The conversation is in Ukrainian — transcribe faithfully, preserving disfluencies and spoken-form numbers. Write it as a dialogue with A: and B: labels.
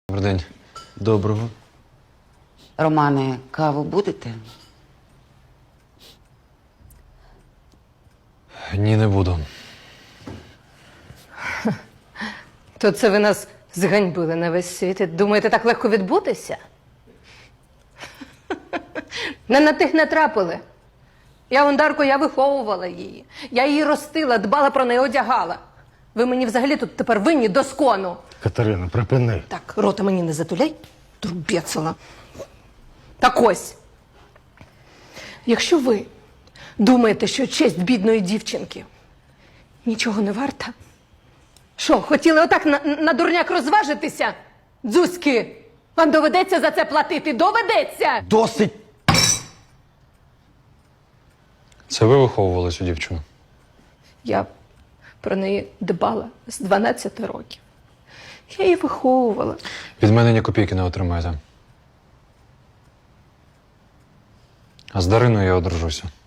A: Добрий день. Доброго.
B: Романе, каву будете?
A: Ні, не буду.
C: То це ви нас зганьбили на весь світ. І думаєте, так легко відбутися? Не на тих не трапили. Я Ондарку, я виховувала її. Я її ростила, дбала про неї, одягала. Ви мені взагалі тут тепер винні до скону.
D: Катерина, припини.
C: Так, рота мені не затуляй, трубецела. Так ось. Якщо ви думаєте, що честь бідної дівчинки нічого не варта, що, хотіли отак на, на дурняк розважитися? Дзузьки, вам доведеться за це платити, доведеться!
D: Досить!
A: Це ви виховували цю дівчину?
C: Я про неї дбала з дванадцяти років. Я її виховувала.
A: Від мене ні копійки не отримаєте. А з Дариною я одружуся.